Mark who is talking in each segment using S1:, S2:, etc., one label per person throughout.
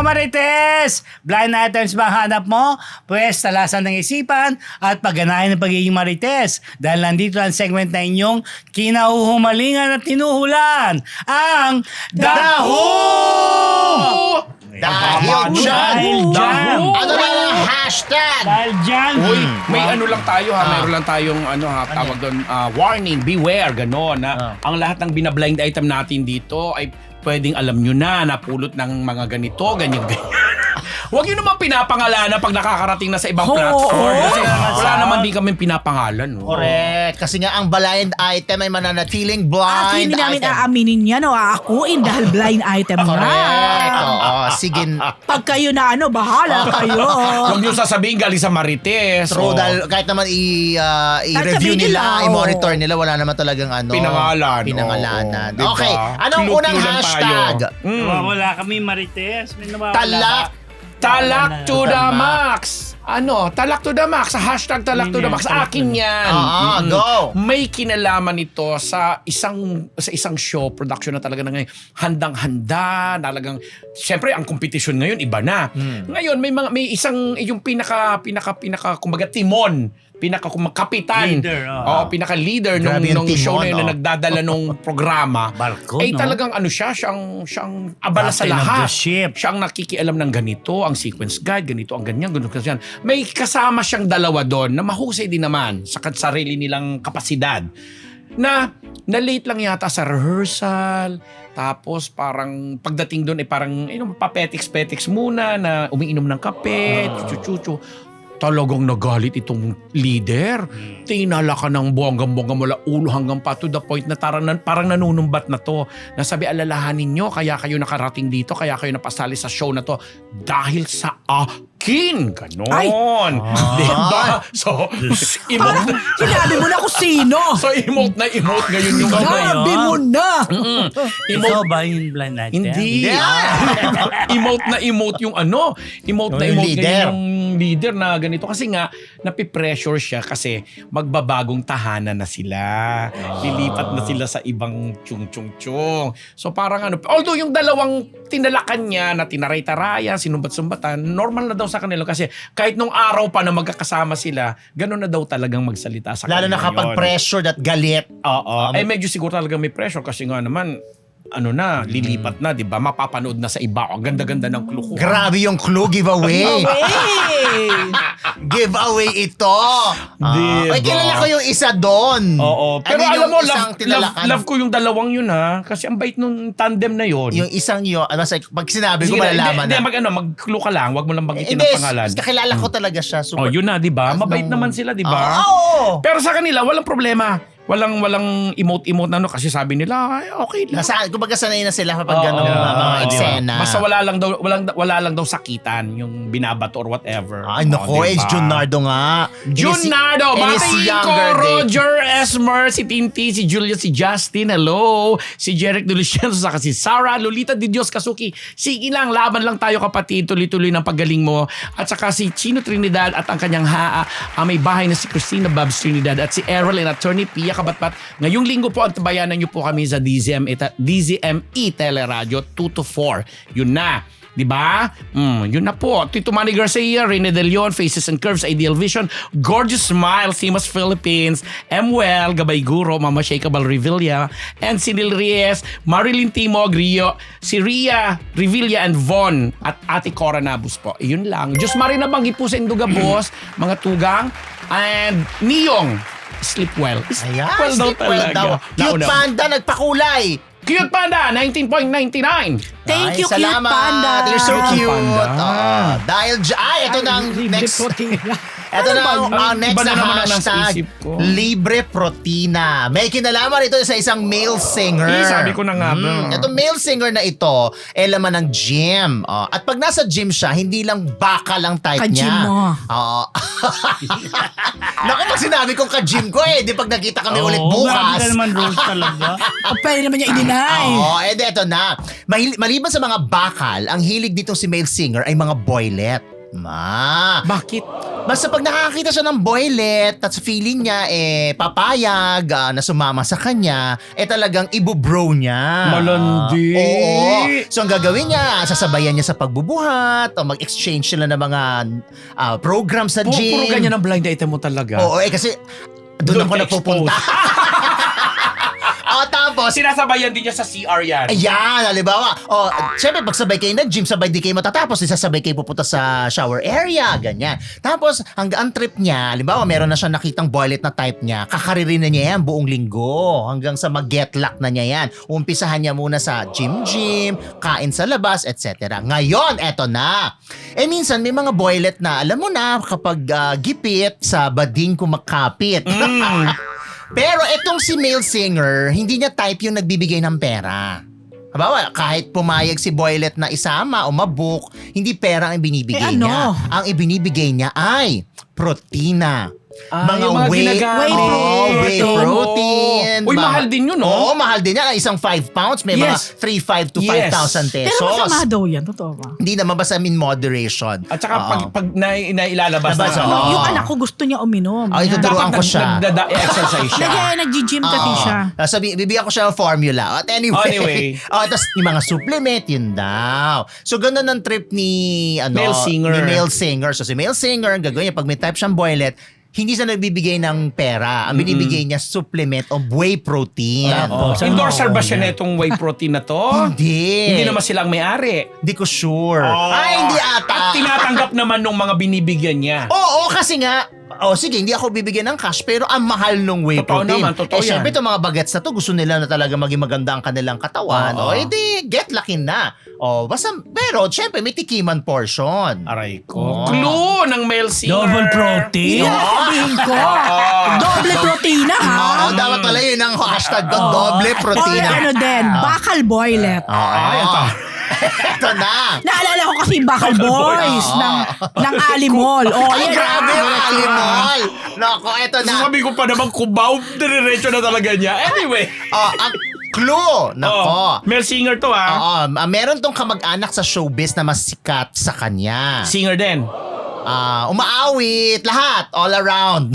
S1: Marites! Blind items ba hanap mo? Pwes, talasan ng isipan at pagganahin ng pagiging Marites. Dahil nandito ang segment na inyong kinahuhumalingan at tinuhulan. Ang Daho!
S2: Dahil dyan. Ano na lang hashtag?
S1: Dahil dyan.
S3: Uy, may ano lang tayo ha, mayroon lang tayong tawag doon, warning, beware, gano'n na ang lahat ng binablind item natin dito ay pwedeng alam nyo na, napulot ng mga ganito, ganyan. Huwag yun naman pinapangalanan pag nakakarating na sa ibang platform. Kasi wala naman din kami pinapangalan. No?
S2: Correct. Kasi nga ang blind item ay mananatiling blind
S4: At hindi namin
S2: item.
S4: aaminin yan o aakuin dahil blind item
S2: Correct.
S4: nga.
S2: Oo, sige.
S4: Pag kayo na bahala kayo.
S3: Huwag nyo sasabihin galing sa Marites.
S2: True, dahil kahit naman i-review
S4: sabihin
S2: nila,
S4: nila,
S2: i-monitor nila, wala naman talagang
S3: Pinangalanan.
S2: Oo. Okay. Anong
S3: Clue-clue
S2: unang
S3: lang
S2: hashtag?
S1: Nawawala kami Marites. May nawawala.
S3: Talak to the max. Talak to the max. Hashtag talak to the max. Akin yan.
S2: Go.
S3: May kinalaman ito sa isang show, production na talaga na ngayon. Handang-handa, talagang, siyempre, ang competition ngayon, iba na. Ngayon, may isang, yung pinaka, kumbaga, timon, kapitan.
S1: Leader,
S3: pinaka-leader
S2: Grabe
S3: nung
S2: yung
S3: show na
S2: timon,
S3: yun na nagdadala nung programa.
S1: Barko,
S3: ay
S1: no?
S3: talagang siyang abala sa
S1: Captain of
S3: lahat.
S1: the ship.
S3: Siya ang nakikialam ng ganito, ang sequence guide, ganito, ang ganyan, ganito, ganyan. May kasama siyang dalawa doon na mahusay din naman sa sarili nilang kapasidad. Na late lang yata sa rehearsal, tapos parang pagdating doon ay parang papetiks-petiks muna na umiinom ng kape, chuchu-chuchu. Talagang nagalit itong leader. Tinala ka ng bonggang-bongga mula ulo hanggang pa to the point na parang nanunumbat na to. Nasabi, alalahanin nyo, kaya kayo nakarating dito, kaya kayo napasali sa show na to dahil sa akin. Ganon. Diba? So,
S4: Parang sinabi mo na kung sino.
S3: So, emote na emote ngayon yung
S4: Sabi mo na.
S1: Ikaw ba yung blind item?
S3: Hindi. Emote na emote yung Emote na
S2: Yung
S3: emote
S2: leader.
S3: ngayon yung leader na ganito. Kasi nga, napipressure siya kasi magbabagong tahanan na sila. Lilipat na sila sa ibang chung-chung-chung. So parang although yung dalawang tinalakan niya na tinaray-tarayan, sinumbat-sumbatan, normal na daw sa kanila kasi kahit nung araw pa na magkakasama sila, gano'n na daw talagang magsalita sa
S2: Lalo
S3: kanila
S2: na kapag
S3: yun.
S2: pressure at galit.
S3: Oo. Medyo siguro talaga may pressure kasi nga naman, lilipat na, di ba? Mapapanood na sa iba. Ang ganda-ganda ng clue ko.
S2: Grabe yung clue giveaway. Giveaway ito.
S3: Diba?
S2: Ay, kilala ko yung isa doon.
S3: Oo. Pero
S2: I mean,
S3: alam mo,
S2: yung isang tinalakan.
S3: love ko yung dalawang yun ha. Kasi ang bait nung tandem na yun.
S2: Yung isang yun, pag sinabi ko
S3: Sige na,
S2: malalaman na.
S3: mag-clue ka lang. Huwag mo lang banggitin
S2: Hindi,
S3: ang pangalan.
S2: kakilala ko talaga siya. Super.
S3: Yun na, di ba? Mabait naman sila, di ba?
S2: Oo.
S3: Pero sa kanila, walang problema. Walang emote-emote na kasi sabi nila, ay, okay lang.
S2: Kumbaga sanay na sila kapag
S3: Oo.
S2: gano'ng mga
S3: Di ba?
S2: eksena.
S3: Basta wala lang daw sakitan, yung binabato or whatever.
S2: Ay, nako,
S3: diba?
S2: Junardo nga.
S3: Junardo,
S2: In his
S3: batiin ko,
S2: younger day.
S3: Roger Esmer, si Tinti, si Julia, si Justin, hello, si Jeric de Luciano, saka si Sarah, Lolita de Dios Kasuki. Sige lang, laban lang tayo kapatid, tuloy-tuloy ng pagaling mo. At saka si Chino Trinidad at ang kanyang may bahay na si Christina Babs Trinidad at si Errol and Attorney Pia Kabatpat. Ngayong linggo po, ang tabayanan niyo po kami sa DZME Teleradio 2 to 4. Yun na. Diba? Yun na po. Tito Manny Garcia, Rene De Leon, Faces and Curves, Ideal Vision, Gorgeous Smile, Simas Philippines, Well, Gabay Guro, Mama Shakeable Revilla, and Sinil Reyes, Marilyn Timog, Rio, si Ria, Revilla, and Von, at Ate Cora Nabus po. Yun lang. Diyos Marina Banggi po sa Induga Boss, mga tugang, and Niyong, Sleep Well.
S2: Ayan,
S3: Well daw
S2: sleep well
S3: talaga.
S2: daw. Cute Panda, nagpakulay.
S3: Cute Panda, 19.99.
S4: Thank
S2: Ay,
S4: you, cute
S2: salamat.
S4: panda.
S2: You're so cute.
S3: Panda.
S2: Dahil ito na ang next. Ito na ang next
S3: Iba na
S2: na
S3: naman ang nasa
S2: hashtag.
S3: isip ko.
S2: Libre Protina. May kinalaman ito sa isang male singer.
S3: Sabi ko na nga ba.
S2: Ito male singer na ito, laman ng gym. At pag nasa gym siya, hindi lang baka lang type
S4: Ka-gym
S2: niya.
S4: mo.
S2: Naku, pag sinabi kong ka-gym ko di pag nakita kami ulit
S1: Grabe
S2: bukas.
S1: ka naman, Rose, talaga.
S4: Pwede naman niya ininay.
S2: Eto na. Maliban sa mga bakal, ang hilig ditong si male singer ay mga boylet.
S3: Bakit?
S2: Basta pag nakakita siya ng boylet at feeling niya papayag na sumama sa kanya, talagang ibubro niya.
S3: Malandi.
S2: Oo. So ang gagawin niya, sasabayan niya sa pagbubuhat o mag-exchange sila ng mga program sa gym.
S3: Puro ganyan ang blind item mo talaga.
S2: Oo, kasi doon ako
S3: ka
S2: nagpupunta. Tapos,
S3: Sinasabayan din niya sa CR yan.
S2: ayan, halimbawa, syempre pag sabay kayo nag-gym, sabay di kayo matatapos, isasabay kayo pupunta sa shower area, ganyan. Tapos, hanggang trip niya, halimbawa, meron na siya nakitang boylet na type niya, kakaririn na niya yan buong linggo, hanggang sa mag-get luck na niya yan. Umpisahan niya muna sa gym, kain sa labas, etc. Ngayon, eto na. Minsan, may mga boylet na, alam mo na, kapag gipit, sa bading kumakapit. Pero itong si male singer, hindi niya type yung nagbibigay ng pera. Habawa, kahit pumayag si boylet na isama o mabook, hindi pera ang ibinibigay niya. Ang ibinibigay niya ay protina.
S3: Yung mga ginagamit.
S2: Whey protein.
S3: Uy, mahal din yun, no?
S2: Oo, mahal din yan. Isang 5 pounds, may mga 3,500 to 5,000 pesos.
S4: Pero masama daw yan, totoo ba?
S2: Hindi naman, basta in moderation.
S3: At saka pag nailalabas
S2: Labas,
S3: na.
S2: oo.
S4: Yung anak ko gusto niya uminom.
S2: Ay, tuturuan ko siya.
S3: Exercise siya.
S4: Nag-gym kasi siya.
S2: Bibigyan ko siya ng formula. At anyway. Tapos yung mga supplement, yun daw. So, ganun ang trip ni
S3: Male singer.
S2: Ni male singer. So, si male singer, ang gagawin niya, pag may type siyang boylet, hindi siya nagbibigay ng pera. Ang binibigay niya, supplement o whey protein.
S3: Endorser ba siya na itong whey protein na to?
S2: Hindi.
S3: Hindi naman silang may-ari.
S2: Hindi ko sure. Hindi ata.
S3: At tinatanggap naman nung mga binibigyan niya.
S2: Oo, kasi nga, sige, hindi ako bibigyan ng cash, pero ang mahal nung whey
S3: Totoo
S2: protein.
S3: naman, totoo yan.
S2: Syempre, itong mga bagets na to, gusto nila na talaga maging maganda ang kanilang katawan. Edi, get lucky na. Pero, syempre, may tikiman portion.
S3: Aray ko. Clue ng male singer.
S1: Double protein.
S4: Yan ang sabihin ko. Doble protina, ha?
S2: Dapat pala yun ang hashtag ko, doble
S4: Or
S2: protina.
S4: ano din, bakal boylet.
S2: Ito na.
S4: Naalala ko kasi bakal boys ng Alimol.
S2: Ay, grabe yung alimol. Nako, ito na.
S3: Sabi ko pa naman, kubaw, diretso na talaga niya. Anyway.
S2: Ang clue. Nako.
S3: Male singer to, ha?
S2: Meron tong kamag-anak sa showbiz na mas sikat sa kanya.
S3: Singer din.
S2: Umaawit, lahat, all around.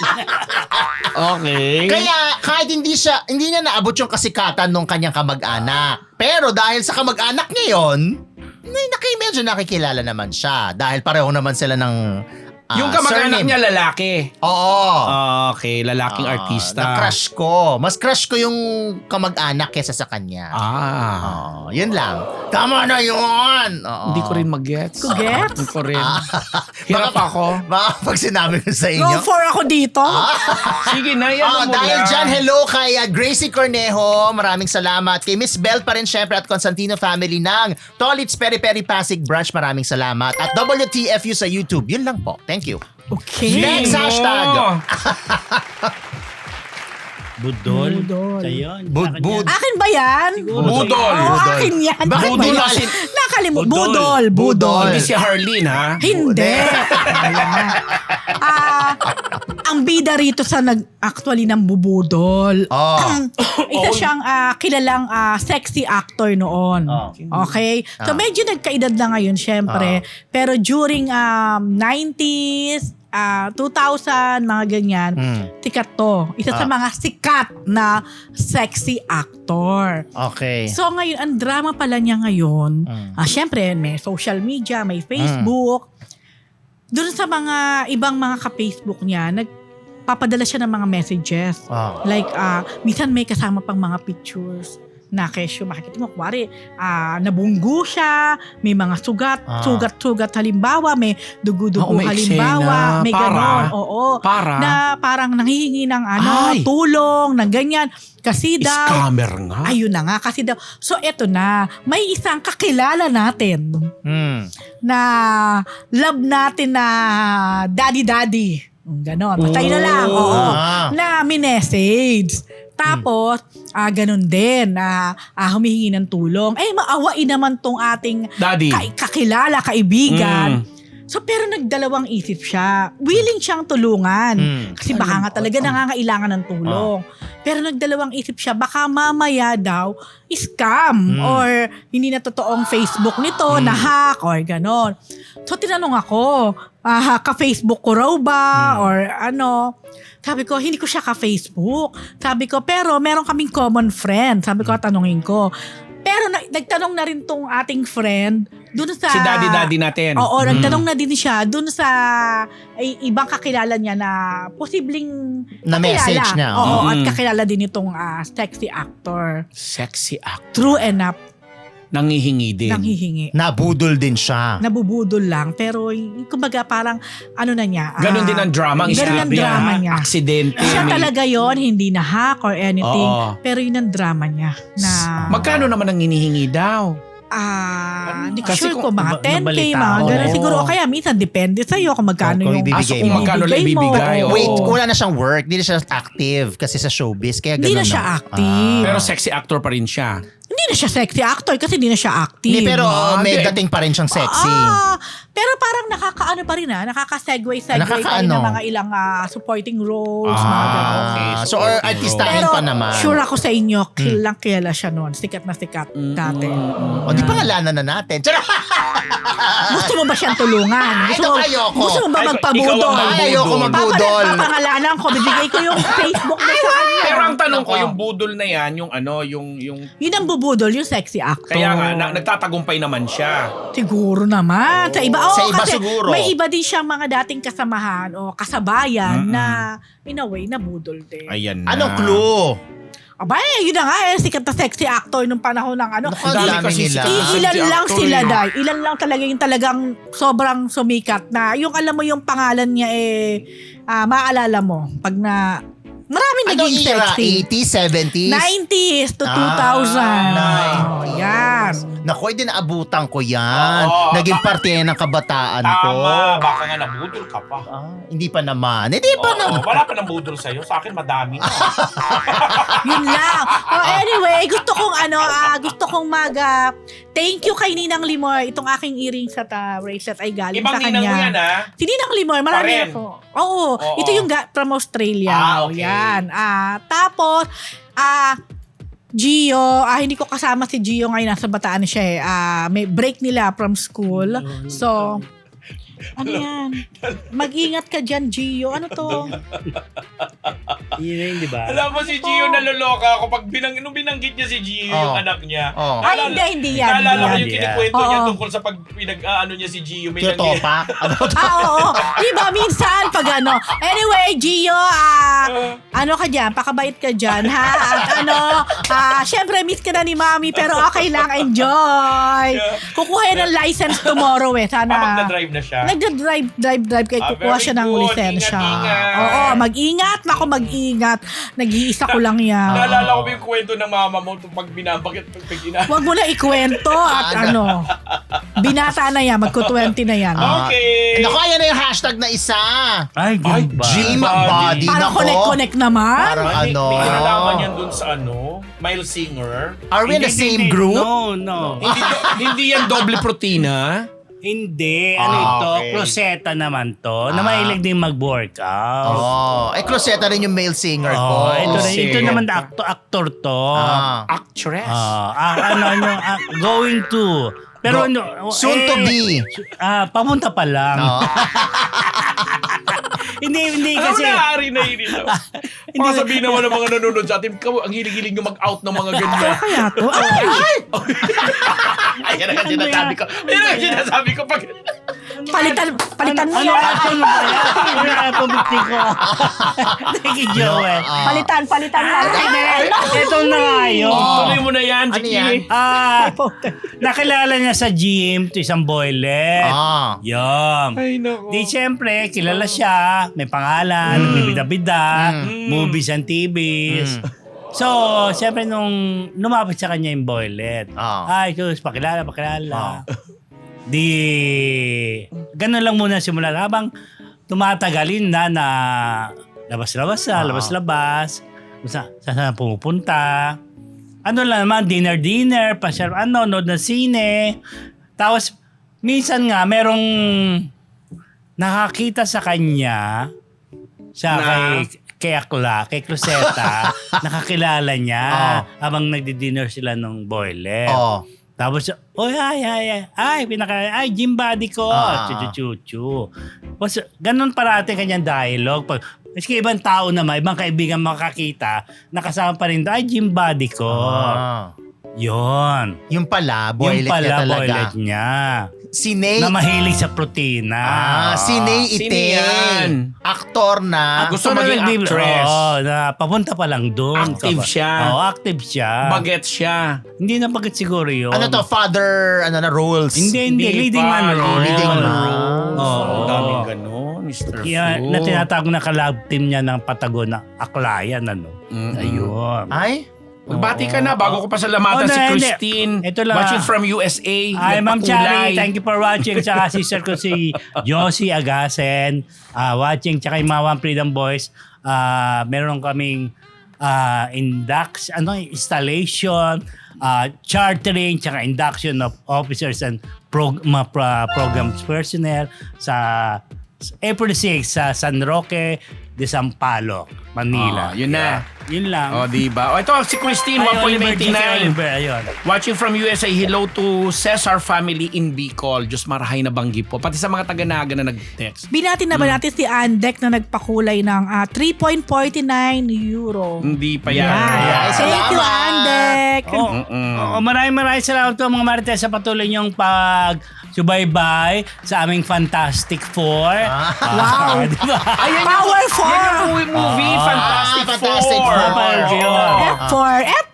S3: Okay.
S2: Kaya kahit hindi niya naabot yung kasikatan nung kanyang kamag-anak. Pero dahil sa kamag-anak niya yun, medyo nakikilala naman siya. Dahil pareho naman sila ng
S3: yung kamag-anak
S2: surname.
S3: niya lalaki.
S2: Oo.
S3: Okay, lalaking artista.
S2: Na-crush ko. Mas crush ko yung kamag-anak kesa sa kanya. Yun lang. Tama na yun.
S3: Hindi ko rin mag-gets.
S4: Gets?
S3: Hindi ko rin. Hirap ako.
S2: Baka pag sinabi ko sa
S4: Go
S2: inyo.
S4: for ako dito.
S3: Sige na, yan mo
S2: Dahil
S3: lang.
S2: dyan, hello kay Gracie Cornejo. Maraming salamat. Kay Miss Bell pa rin syempre at Constantino family ng Tolits Peri Peri Pasig Branch. Maraming salamat. At WTFU sa YouTube. Yun lang po. Thank you.
S4: Okay.
S2: Next hashtag.
S1: Budol.
S4: Budol.
S1: Sa'yo.
S2: Bud.
S4: Akin ba yan?
S3: Budol.
S4: Oo, akin yan.
S2: Bakit
S4: Ano ba
S2: budol?
S4: yan? Nakalimut.
S1: Budol.
S4: Budol.
S3: Hindi si Harleen, ha?
S4: Hindi. Ang bida rito sa actually ng bubudol. Isa siyang kilalang sexy actor noon. Okay? So medyo nagkaedad na ngayon syempre. Pero during 90s, 2000, mga ganyan, sikat to. Isa sa mga sikat na sexy actor.
S2: Okay.
S4: So ngayon, ang drama pala niya ngayon, syempre may social media, may Facebook. Doon sa mga ibang mga ka-Facebook niya, nagpapadala siya ng mga messages. Like, minsan may kasama pang mga pictures na kesyo makikita mo, kuwari, nabunggo siya, may mga sugat halimbawa, may dugo-dugo
S3: may
S4: halimbawa,
S3: eksena.
S4: may ganon. Oo.
S3: Para?
S4: Na parang nanghihingi ng
S3: Ay.
S4: tulong, ng ganyan. Kasi daw,
S3: Scammer nga.
S4: ayun na nga, kasi daw, so eto na, may isang kakilala natin na love natin na daddy. Ganon, patay na lang. Oo. Na minessage. Tapos, ganun din, humihingi ng tulong. Maawain naman tong ating
S3: Daddy.
S4: kakilala, kaibigan. So pero nagdalawang isip siya. Willing siyang tulungan. Kasi baka nga talaga nangangailangan ng tulong. Pero nagdalawang isip siya, baka mamaya daw scam or hindi na totoong Facebook nito, na-hack or ganon. So tinanong ako, ka-Facebook ko raw ba or ano. Sabi ko, hindi ko siya ka-Facebook. Sabi ko, pero meron kaming common friend. Sabi ko, tanungin ko. Pero nagtanong na rin tong ating friend dun sa...
S3: Si daddy natin.
S4: Oo, nagtanong na din siya dun sa ibang kakilala niya na posibleng
S2: Na message niya.
S4: Oo, at kakilala din itong sexy actor.
S3: Sexy act.
S4: True enough,
S3: Nangihingi din.
S4: nanghihingi.
S2: Nabudol din siya.
S4: Nabubudol lang, pero kumbaga parang ano na niya.
S3: Ganon din ang drama. Ang
S4: Ganon ang
S3: istorya.
S4: drama niya.
S3: Aksidente.
S4: Siya talaga yon, hindi na hack or anything.
S3: Oo.
S4: Pero yun ang drama niya. Na,
S3: Magkano naman ang hinihingi daw?
S4: hindi ko
S3: Kasi
S4: sure
S3: kung
S4: ko mga 10K,
S1: nabalita
S4: mga
S1: ako.
S4: gano'n. Siguro, o kaya minsan depende sa'yo kung magkano
S2: Kung
S4: yung
S2: ibibigay
S3: kung
S2: mo.
S3: magkano lang ibibigay.
S4: mo.
S3: Oo.
S2: Wait, wala na siyang work. Hindi na siya active kasi sa showbiz. Kaya
S4: Hindi
S2: ganun
S4: na siya active.
S3: Pero sexy actor pa rin siya.
S4: Hindi na siya sexy actor kasi hindi na siya active.
S2: Hindi, pero may
S3: Hindi.
S2: dating pa rin siyang sexy.
S4: Pero parang nakakaano pa rin nakaka-segue pa rin
S2: Nakakaano?
S4: ng mga ilang supporting roles, mga gano'n.
S3: okay.
S2: So, or artistahin
S4: Pero
S2: pa naman.
S4: sure ako sa inyo, kilang kilala siya noon. Sikat na sikat dati.
S2: O, di pangalanan na natin. Charot!
S4: Gusto mo ba siyang tulungan?
S2: Ayoko.
S4: Gusto mo ba
S3: Ay,
S4: magpabudol?
S3: ikaw ang
S2: Ay, ayoko magbudol.
S4: Papangalanan ko, bibigay ko yung Facebook na sa kanya.
S3: Pero ang tanong ko, yung budol na yan, yung
S4: Yun ang bubudol, yung sexy actor.
S3: kaya nga, nagtatagumpay naman siya.
S4: Siguro naman. Sa iba,
S2: Sa iba
S4: kasi
S2: siguro.
S4: may iba din siyang mga dating kasamahan o kasabayan na in a way nabudol din.
S3: Ayan na.
S2: Anong clue?
S4: Abay, yun na nga sikat na sexy actor nung panahon ng ano.
S2: Naku, ang dami
S3: kasi
S2: nila.
S3: sikat.
S4: Ilan
S3: Sexy
S4: lang
S3: actor
S4: sila,
S3: eh.
S4: Day. Ilan lang talaga yung talagang sobrang sumikat na yung alam mo yung pangalan niya maalala mo pag na maraming
S2: Anong
S4: naging
S2: era?
S4: sexy.
S2: 80s, 70s?
S4: 90s to 2000.
S2: 90s.
S4: Yan.
S2: Naku, din naabutan ko yan.
S3: Oo.
S2: Naging parte yan ng kabataan ko.
S5: Tama, baka nga nabudol ka pa.
S2: Hindi pa naman. Hindi pa
S5: Oo,
S2: naman.
S5: wala pa nang budol sa'yo. Sa akin, madami na.
S4: Yun lang. Anyway, gusto kong thank you kay Ninang Limor. Itong aking earrings at bracelet ay galing
S5: Ibang
S4: sa kanya.
S5: ninang mo yan, ha?
S4: Si Ninang Limor, marami
S5: Pa rin.
S4: ako. Oo,
S5: Oo.
S4: ito yung from Australia.
S5: Okay.
S4: Yan. Tapos, Gio, hindi ko kasama si Gio ngayon, nasa Bataan siya may break nila from school. So, ano yan? Mag-ingat ka dyan, Gio. Ano to?
S1: Yun, di ba?
S5: Alam mo si Gio naloloka ako pag nung binanggit niya si Gio yung anak niya.
S2: Oh.
S4: Hindi yan.
S5: Naalala ko
S4: Hindi yan.
S5: yung kinikwento niya
S4: Oo.
S5: tungkol sa pag niya si Gio. May
S2: Kyotopa?
S4: Oo. Diba, minsan pag ano. Anyway, Gio, ano ka dyan? Pakabait ka dyan, ha? At syempre, miss ka na ni Mami, pero okay lang, enjoy. Kukuha yan ng license tomorrow Sana.
S5: magdadrive na siya.
S4: Nagda-drive kay kukuha
S5: very
S4: siya ng
S5: good.
S4: lisensya.
S5: Ingat.
S4: Oo, mag-ingat. Naku, mag-ingat. Nag-iisa ko lang yan.
S5: Naalala ko ba yung kwento ng mama mo pag binabagit pag
S4: Huwag mo na ikwento at binata na yan, magko-20 na yan.
S5: Okay.
S2: Naku, ayan na yung hashtag na isa.
S1: Ay, ganun ba?
S2: Gym
S5: body.
S2: body.
S4: Parang
S2: Nako.
S4: connect naman.
S2: Parang
S5: May kinalaman yan
S2: ano.
S5: dun sa Mile Singer.
S2: Are we in the same group?
S1: No.
S3: Hindi yan doble protina.
S1: Hindi. Ano ito?
S2: okay.
S1: Closeta naman to. Na mahilig din mag-workout.
S2: Oh, Closeta rin yung male singer ko.
S1: Ito naman actor to.
S3: Actress.
S1: Going to. Pero
S2: Soon to be.
S1: Pamunta pa lang.
S2: Oh.
S1: Hindi
S5: Ano
S1: kasi.
S5: naari na yun ito? Baka sabihin naman ng mga nanonood sa atin, ang hilig-hilig nyo mag-out ng mga ganyan.
S4: Kaya to.
S5: Ayan ang sinasabi ko. Ayan ang sinasabi ko. Pag...
S4: Palitan mo
S1: Ano
S4: yan.
S1: ano ba yan? Ano ang pabiti ko? Thank you, Joel.
S4: Palitan lang.
S1: Ito na nga yun.
S5: Tuloy mo na yan,
S2: Ano
S5: Chiki.
S2: yan?
S1: Nakilala niya sa gym to isang boylet. Yun.
S5: Ay, nako.
S1: Di siyempre, kilala siya, may pangalan, nagbibida-bida, movies and TVs. So, siyempre nung lumapit sa kanya yung boylet, ay, sus, pakilala. Di, ganun lang muna simula. Habang tumatagalin na labas-labas. Kung saan pumupunta. Ano lang naman, dinner, nood ng sine. Tapos, minsan nga, merong nakakita sa kanya, kay Akla, kay Cruzeta, nakakilala niya habang nagdi-dinner sila ng boiler. Tapos, gym buddy ko. Chuchu. Tapos, ganun parati kanyang dialogue. Pag, maski ibang tao naman, ibang kaibigan makakita, nakasama pa rin doon, gym buddy ko. Yun.
S2: Yung pala, boylet niya talaga.
S1: Boylet niya.
S2: Si Nate.
S1: Na mahilig sa protina.
S2: Si Nate
S3: Sino yan?
S2: Aktor na.
S3: Gusto maging actress.
S1: Na papunta pa lang doon.
S3: Active siya.
S1: Active siya.
S3: Bagets siya.
S1: Hindi na bagets siguro yun.
S2: Ano to, father, roles?
S1: Hindi. Leading
S3: pa,
S1: man role.
S2: Leading man
S3: roles.
S1: Oo.
S3: Ang daming ganun, Mr.
S1: Kaya
S3: Fu.
S1: na tinatawag na kalab team niya ng Patagon na Aklayan, ano. Ayun.
S2: Ay?
S3: Magbati ka na bago ko pa salamatan si Christine.
S1: Ito lang.
S3: Watching from USA.
S1: Ay, Ma'am
S3: Nagpakulay.
S1: Chari, thank you for watching. Tsaka sister ko si Josie Agasen. Watching. Tsaka yung mga One Freedom Boys. Meron kaming installation, chartering, tsaka induction of officers and programs personnel sa April 6 sa San Roque de Sampaloc, Manila.
S3: Yun na.
S1: Yun lang.
S3: O, diba? O, ito si Christine,
S1: Ayun,
S3: 1.99.
S1: Ayun.
S3: Watching from USA, hello to Cesar family in Bicol. Diyos marahay na banggi po. Pati sa mga taga-naga na nag-text.
S4: Binati na ba natin si Andek na nagpakulay ng 3.49 euro?
S3: Hindi pa yan.
S2: Ay,
S4: Thank you,
S2: salamat.
S4: Andek.
S1: Maraming salamat po mga Marites sa patuloy niyong pag-subaybay sa aming Fantastic Four.
S4: Wow.
S1: Diba?
S3: Ayan
S4: Power 4.
S3: yung movie, Fantastic
S2: Fantastic
S3: Four.
S4: F4.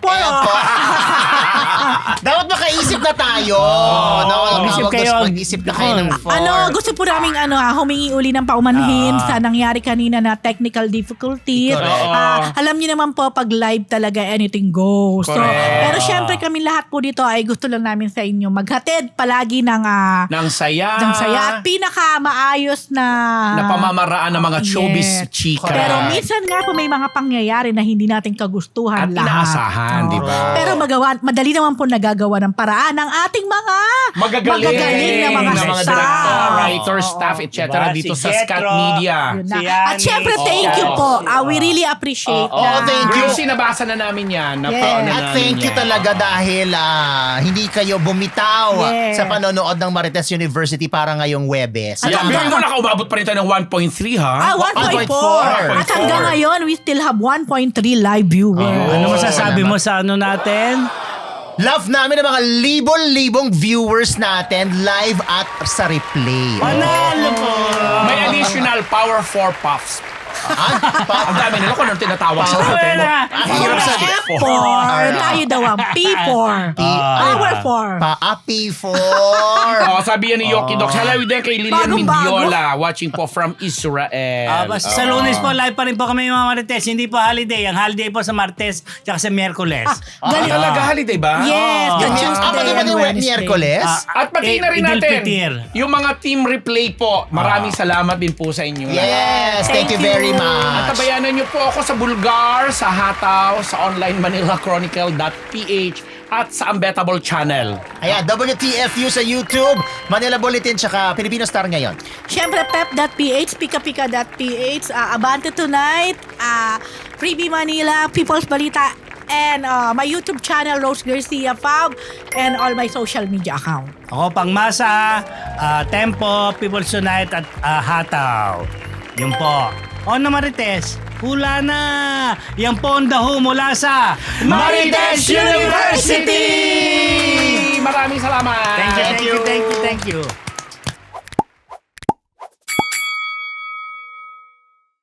S2: Dapat makaisip na tayo.
S1: Mag-isip kayo.
S2: Mag-isip na kayo ng four.
S4: Gusto po namin humingi uli ng paumanhin sa nangyari kanina na technical difficulties.
S2: Correct.
S4: Alam niyo naman po, pag live talaga, anything goes. So,
S3: Correct.
S4: pero syempre kami lahat po dito ay gusto lang namin sa inyo maghatid palagi ng
S3: Nang saya.
S4: at pinaka-maayos na
S3: Pamamaraan ng mga showbiz
S4: Yes.
S3: chika.
S4: Pero minsan nga po may mga pangyayari na hindi natin kagustuhan
S3: at
S4: lahat.
S3: inaasahan, di ba?
S4: Pero madali naman po nagagawa ng paraan ng ating mga
S3: Magagaling
S4: na mga
S3: director,
S4: staff.
S3: writers, staff, etc.
S1: Diba?
S3: dito
S1: Si
S3: sa Scat
S1: Jetro.
S3: Media.
S4: Yun na.
S1: Si
S4: At
S1: Yanni.
S4: syempre, thank you po. We really appreciate that.
S2: thank you.
S3: Gracie, nabasa na namin yan.
S4: Yes.
S2: At thank you talaga dahil hindi kayo bumitaw
S4: Yes.
S2: sa panonood ng Marites University para ngayong Webes.
S3: Yeah, bigyan mo nakaumabot pa rin tayo ng 1.3 ha?
S4: 1.4. At hanggang ngayon, we still have 1.3 live viewers.
S1: Ano masasabi mo sa ano natin?
S2: Love namin ang mga libon-libong viewers natin live at sa replay.
S1: Panalo po!
S3: May additional Power 4 Puffs. Ang dami nila kung anong tinatawag sa atin.
S2: Hirap sa
S4: F4. Tayo daw ang P4. Power 4.
S2: Paapi-4.
S3: Sabi yan ni Yoki Doc. Salawi din kay Lilian
S4: Bagong-bago.
S3: Mindiola watching po from Israel.
S1: Basta sa Lunes po, live pa rin po kami mga Marites. Hindi po holiday. Ang holiday po sa Martes tsaka sa Miyerkules.
S4: Galing.
S3: Talaga holiday ba?
S4: Yes, the Tuesday
S2: Pati ba
S4: and
S2: ni
S4: Wednesday.
S2: Miyerkules?
S3: At pati na rin
S1: Idil
S3: natin
S1: Fitir.
S3: yung mga team replay po. Maraming salamat din po sa inyo.
S2: Yes, thank you very
S3: At
S2: much.
S3: tabayanan niyo po ako sa Bulgar, sa Hataw, sa online manilachronicle.ph at sa Unbettable Channel.
S2: Ayan, WTFU sa YouTube, Manila Bulletin, tsaka Filipino Star ngayon.
S4: Siyempre, pep.ph, pikapika.ph, Abante Tonight, Freebie Manila, People's Balita, and my YouTube channel, Rose Garcia Fab, and all my social media account.
S1: Ako Pangmasa, Tempo, People's Tonight at Hataw. Yun po. Ono Marites, hula na! Yan po ang daho mula sa
S3: Marites University! Maraming salamat!
S1: Thank you.